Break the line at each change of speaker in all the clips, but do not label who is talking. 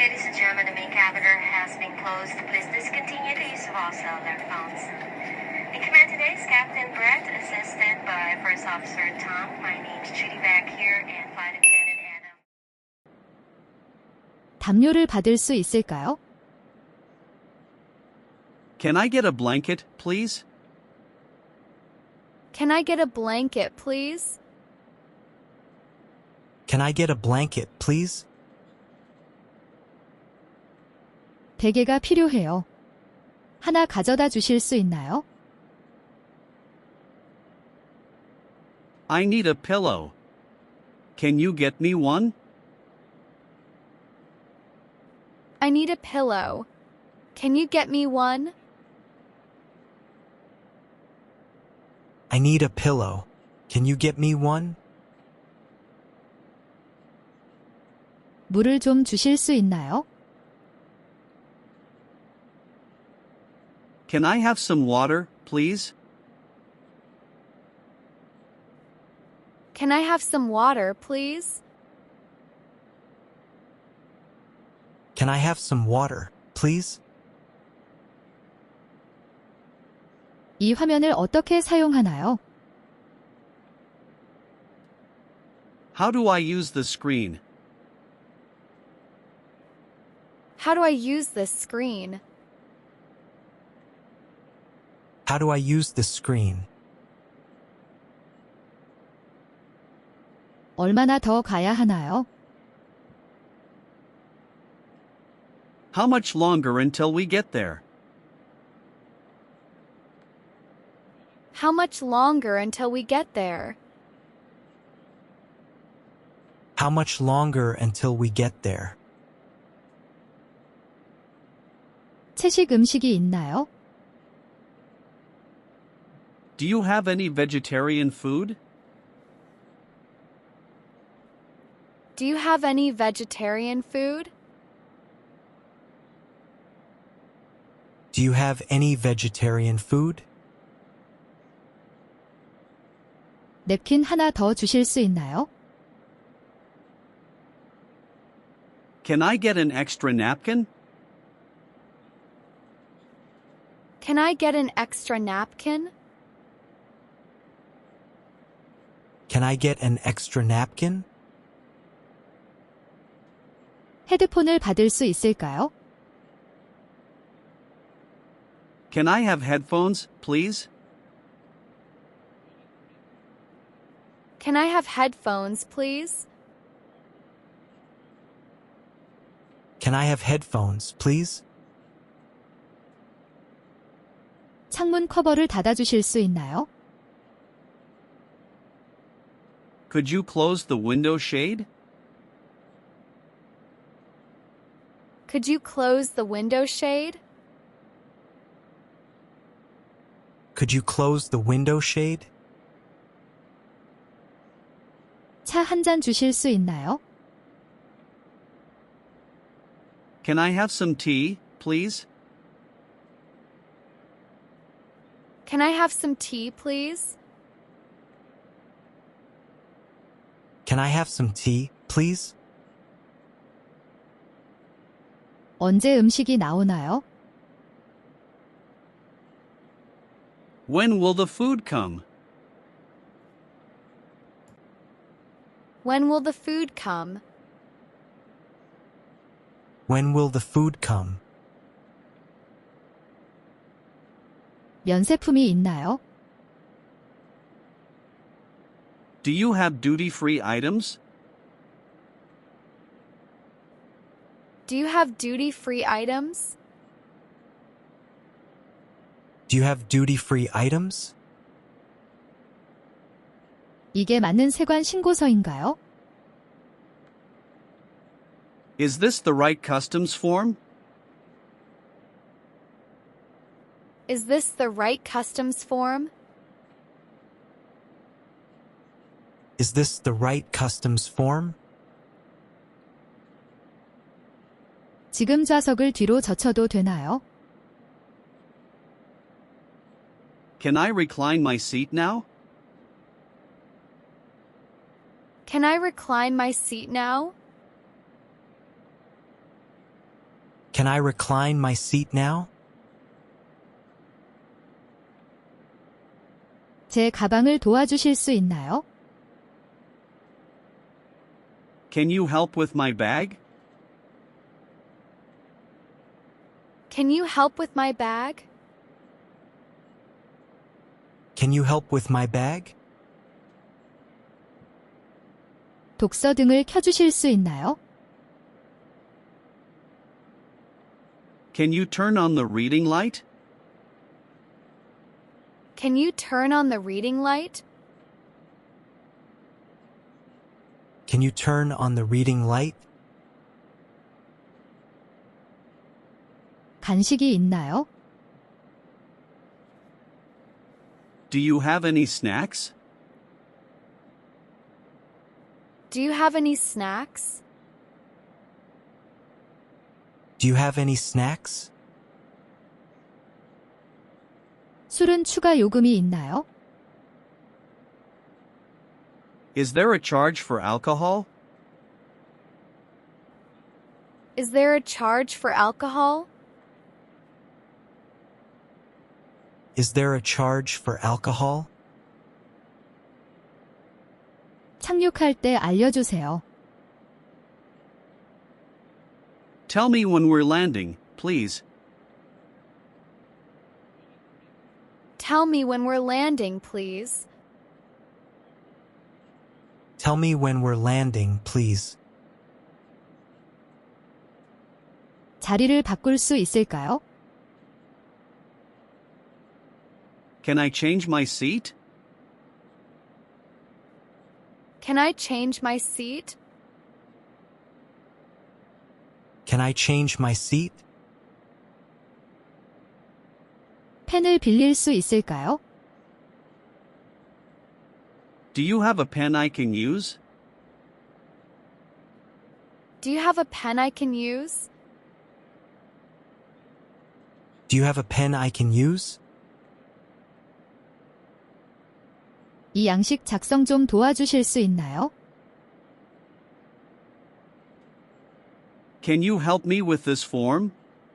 Ladies and gentlemen, the main catheter has been closed. Please discontinue the use of all cellular phones. In command today is Captain Brett, assisted by First Officer Tom. My name's Judy back here and Flight Attendant Adam.
담요를 받을 수 있을까요?
Can I get a blanket, please?
Can I get a blanket, please?
Can I get a blanket, please?
베개가 필요해요. 하나 가져다 주실 수 있나요?
I need a pillow. Can you get me one?
I need a pillow. Can you get me one?
I need a pillow. Can you get me one?
물을 좀 주실 수 있나요?
Can I have some water, please?
Can I have some water, please?
Can I have some water, please?
이 화면을 어떻게 사용하나요?
How do I use the screen?
How do I use this screen?
How do I use the screen?
얼마나 더 가야 하나요?
How much longer until we get there?
How much longer until we get there?
How much longer until we get there?
채식 음식이 있나요?
Do you have any vegetarian food?
Do you have any vegetarian food?
Do you have any vegetarian food?
냅킨 하나 더 주실 수 있나요?
Can I get an extra napkin?
Can I get an extra napkin?
Can I get an extra napkin?
헤드폰을 받을 수 있을까요?
Can I have headphones, please?
Can I have headphones, please?
Can I have headphones, please?
창문 커버를 닫아주실 수 있나요?
Could you close the window shade?
Could you close the window shade?
Could you close the window shade?
차 한 잔 주실 수 있나요?
Can I have some tea, please?
Can I have some tea, please?
Can I have some tea, please?
언제 음식이 나오나요?
When will the food come?
When will the food come?
When will the food come?
면세품이 있나요?
Do you have duty-free items?
Do you have duty-free items?
Do you have duty-free items?
이게 맞는 세관 신고서인가요?
Is this the right customs form?
Is this the right customs form?
Is this the right customs form?
지금 좌석을 뒤로 젖혀도 되나요?
Can I recline my seat now?
Can I recline my seat now?
Can I recline my seat now?
제 가방을 도와주실 수 있나요?
Can you help with my bag?
Can you help with my bag?
Can you help with my bag?
독서 등을 켜주실 수 있나요?
Can you turn on the reading light?
Can you turn on the reading light?
Can you turn on the reading light?
간식이 있나요?
Do you have any snacks?
Do you have any snacks?
Do you have any snacks?
술은 추가 요금이 있나요?
Is there a charge for alcohol?
Is there a charge for alcohol?
Is there a charge for alcohol?
착륙할 때 알려주세요.
Tell me when we're landing, please.
Tell me when we're landing, please.
Tell me when we're landing, please.
자리를 바꿀 수 있을까요?
Can I change my seat?
Can I change my seat?
Can I change my seat?
펜을 빌릴 수 있을까요?
Do you have a pen I can use?
Do you have a pen I can use?
Do you have a pen I can use?
이 양식 작성 좀 도와주실 수 있나요?
Can you help me with this form?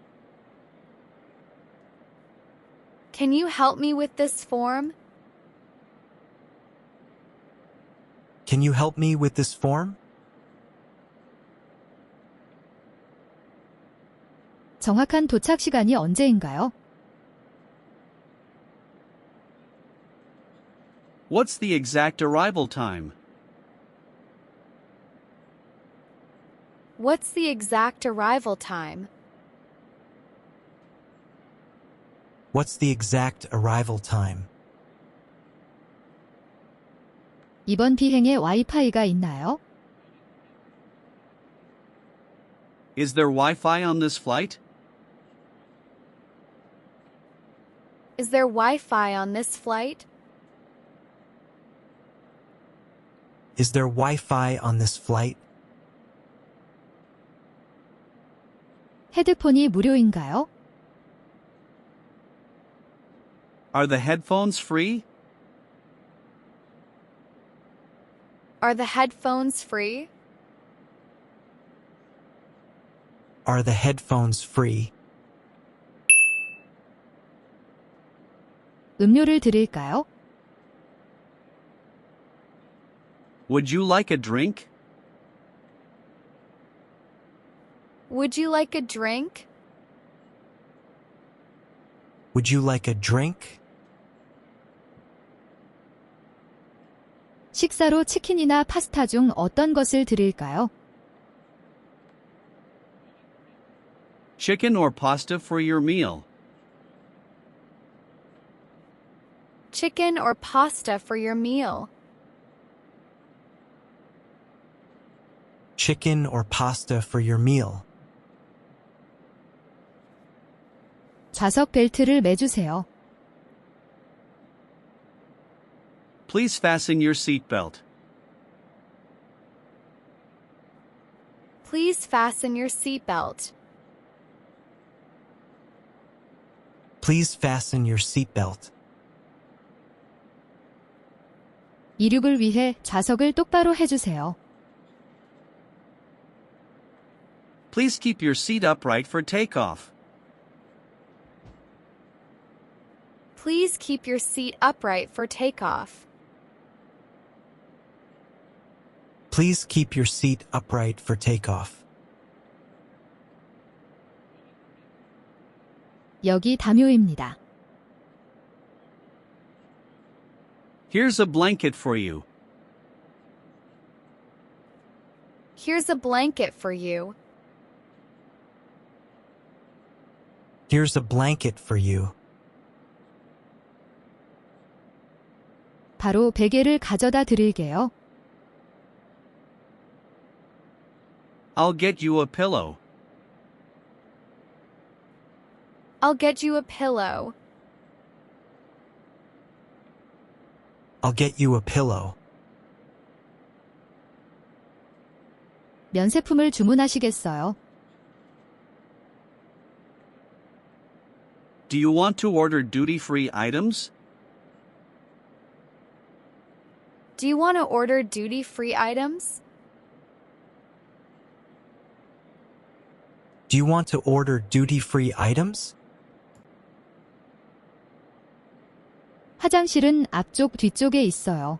Can you help me with this form?
Can you help me with this form?
정확한 도착 시간이 언제인가요?
What's the exact arrival time?
What's the exact arrival time?
What's the exact arrival time?
이번 비행에 와이파이가 있나요?
Is there Wi-Fi on this flight?
Is there Wi-Fi on this flight?
Is there Wi-Fi on this flight?
헤드폰이 무료인가요?
Are the headphones free?
Are the headphones free?
Are the headphones free?
음료를 드릴까요?
Would you like a drink?
Would you like a drink?
Would you like a drink?
식사로 치킨이나 파스타 중 어떤 것을 드릴까요?
Chicken or pasta for your meal?
Chicken or pasta for your meal?
Chicken or pasta for your meal?
좌석 벨트를 매주세요.
Please fasten your seatbelt.
Please fasten your seatbelt.
Please fasten your seatbelt.
이륙을 위해 좌석을 똑바로 해주세요.
Please keep your seat upright for takeoff.
Please keep your seat upright for takeoff.
Please keep your seat upright for takeoff.
여기 담요입니다.
Here's a blanket for you.
Here's a blanket for you.
Here's a blanket for you.
바로 베개를 가져다 드릴게요.
I'll get you a pillow.
I'll get you a pillow.
I'll get you a pillow.
면세품을 주문하시겠어요?
Do you want to order duty-free items?
Do you want to order duty-free items?
Do you want to order duty-free items?
화장실은 앞쪽 뒤쪽에 있어요.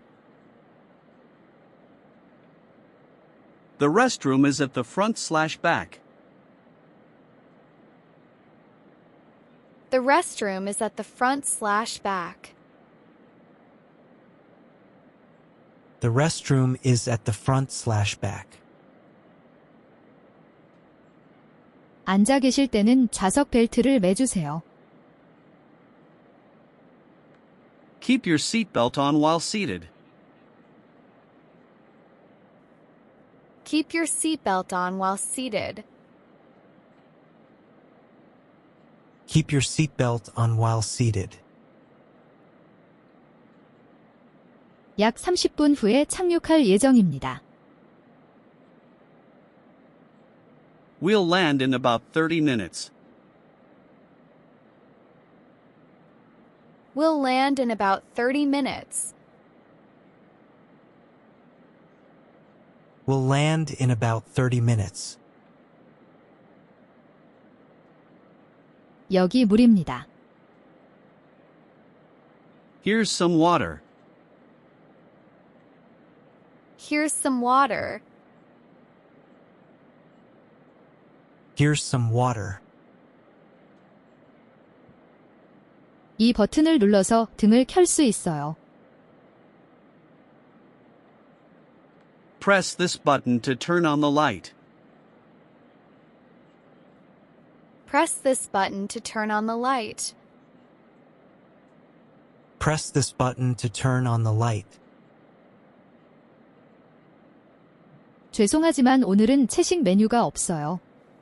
The restroom is at the front/back.
The restroom is at the front/back.
The restroom is at the front/back.
앉아 계실 때는 좌석 벨트를 매주세요.
Keep your seatbelt on while seated.
Keep your seatbelt on while seated.
Keep your seatbelt on while seated.
약 30분 후에 착륙할 예정입니다.
We'll land in about 30 minutes.
We'll land in about 30 minutes.
We'll land in about 30 minutes.
여기 물입니다.
Here's some water.
Here's some water.
Here's some water.
이 버튼을 눌러서 등을 켤 수 있어요.
Press this button to turn on the light.
Press this button to turn on the light.
Press this button to turn on the light.
죄송하지만 오늘은 채식 메뉴가 없어요.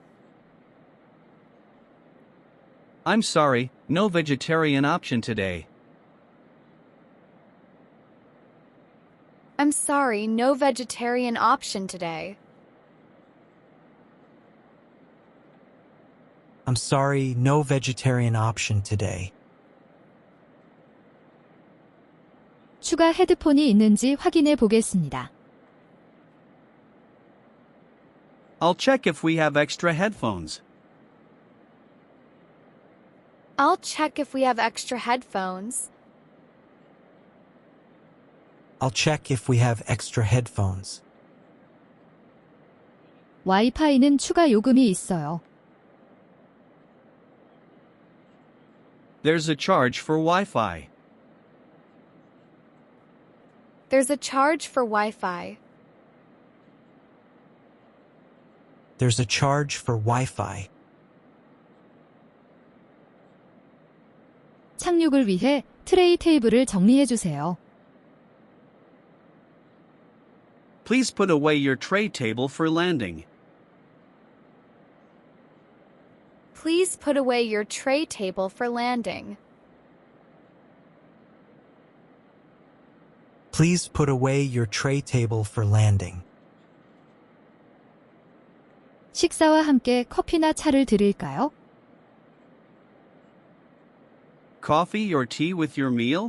I'm sorry, no vegetarian option today.
I'm sorry, no vegetarian option today.
I'm sorry, no vegetarian option today.
추가 헤드폰이 있는지 확인해 보겠습니다.
I'll check if we have extra headphones.
I'll check if we have extra headphones.
I'll check if we have extra headphones.
와이파이는 추가 요금이 있어요.
There's a charge for Wi-Fi.
There's a charge for Wi-Fi.
There's a charge for Wi-Fi.
착륙을 위해 트레이 테이블을 정리해 주세요.
Please put away your tray table for landing.
Please put away your tray table for landing.
Please put away your tray table for landing.
식사와 함께 커피나 차를 드릴까요?
Coffee or tea with your meal?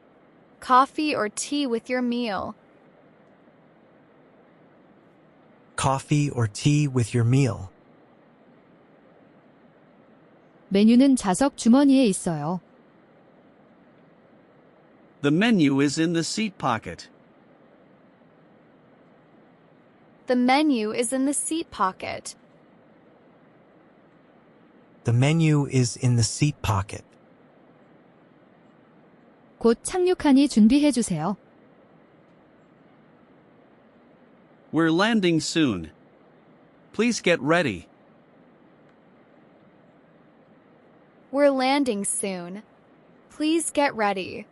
Coffee or tea with your meal.
coffee or tea with your meal.
메뉴는 좌석 주머니에 있어요.
The menu is in the seat pocket.
The menu is in the seat pocket.
The menu is in the seat pocket.
곧 착륙하니 준비해 주세요.
We're landing soon. Please get ready.
We're landing soon. Please get ready.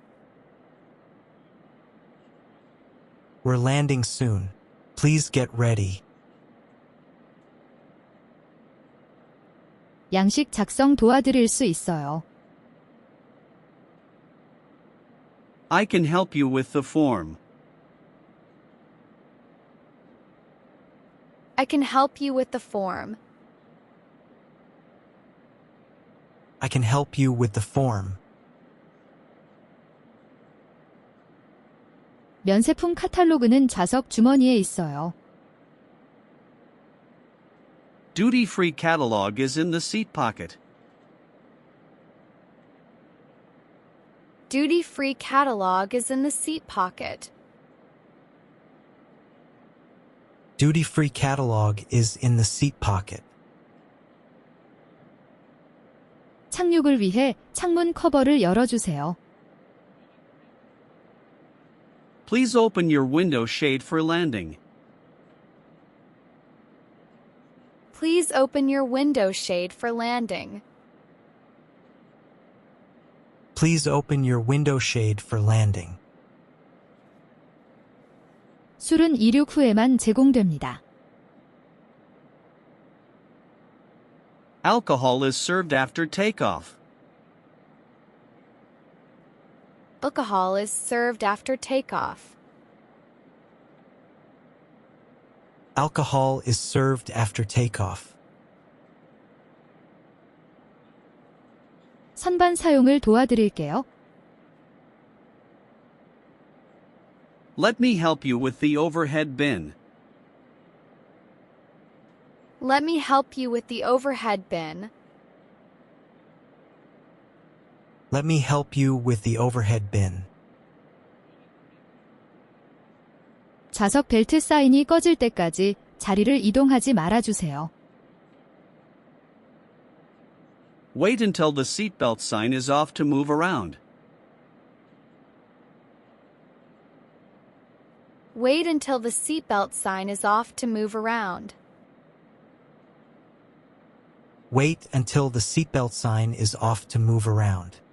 We're landing soon. Please get ready.
양식 작성 도와드릴 수 있어요.
I can help you with the form.
I can help you with the form.
I can help you with the form.
면세품 카탈로그는 좌석 주머니에 있어요.
Duty-free catalog is in the seat pocket.
Duty-free catalog is in the seat pocket.
Duty-free catalog is in the seat pocket.
착륙을 위해 창문 커버를 열어주세요.
Please open your window shade for landing.
Please open your window shade for landing.
Please open your window shade for landing.
술은 이륙 후에만 제공됩니다.
Alcohol is served after takeoff.
Alcohol is served after takeoff.
Alcohol is served after takeoff.
선반 사용을 도와드릴게요.
Let me help you with the overhead bin.
Let me help you with the overhead bin.
Let me help you with the overhead bin.
좌석 벨트 사인이 꺼질 때까지 자리를 이동하지 말아주세요.
Wait until the seatbelt sign is off to move around.
Wait until the seatbelt sign is off to move around.
Wait until the seatbelt sign is off to move around.